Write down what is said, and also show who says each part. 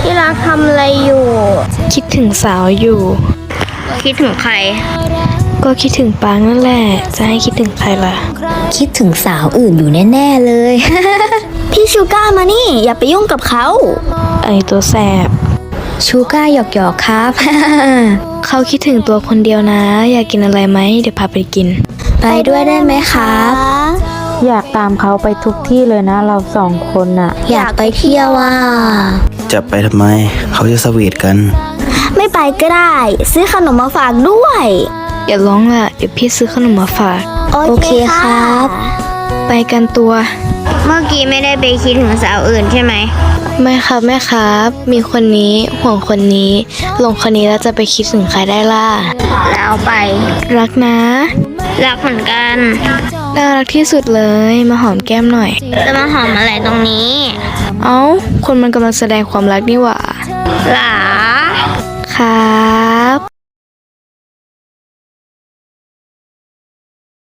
Speaker 1: ที่รักทำอะไรอยู่
Speaker 2: คิดถึงสาวอยู่
Speaker 1: คิดถึงใคร
Speaker 2: ก็คิดถึงปางนั่นแหละ จะให้คิดถึงใครล่ะ
Speaker 3: คิดถึงสาวอื่นอยู่แน่ๆเลย
Speaker 1: พี่ชูก้ามานี่ อย่าไปยุ่งกับเขา
Speaker 2: ไอตัวแสบ
Speaker 3: ชูก้าหยอกๆครับ
Speaker 2: เขาคิดถึงตัวคนเดียวนะ อยากกินอะไรไหม เดี๋ยวพาไปกิน
Speaker 3: ไปด้วยได้ไหมครับ
Speaker 4: อยากตามเขาไปทุกที่เลยนะเราสองคนน่ะ
Speaker 3: อยากไปเที่ยวอ่ะ
Speaker 5: จะไปทำไม เขาจะสวีทกัน
Speaker 1: ไม่ไปก็ได้ ซื้อขนมมาฝากด้วย
Speaker 2: อย่าร้องล่ะ เดี๋ยวพี่ซื้อขนมมาฝาก
Speaker 1: โอเคครับ
Speaker 2: ไปกันตัว
Speaker 1: เมื่อกี้ไม่ได้ไปคิดถึงสาวอื่นใช่ไหม
Speaker 2: ไม่ครับแม่ครับ มีคนนี้ห่วงคนนี้หลงคนนี้แล้วจะไปคิดถึงใครได้ล่ะ
Speaker 1: แล้วไป
Speaker 2: รักนะ
Speaker 1: รักเหมือนกัน
Speaker 2: น่ารักที่สุดเลย มาหอมแก้มหน่อย
Speaker 1: จะมาหอมอะไรตรงนี้
Speaker 2: เอ้า คนมันกำลังแสดงความรักนี่หว่า
Speaker 1: หล่า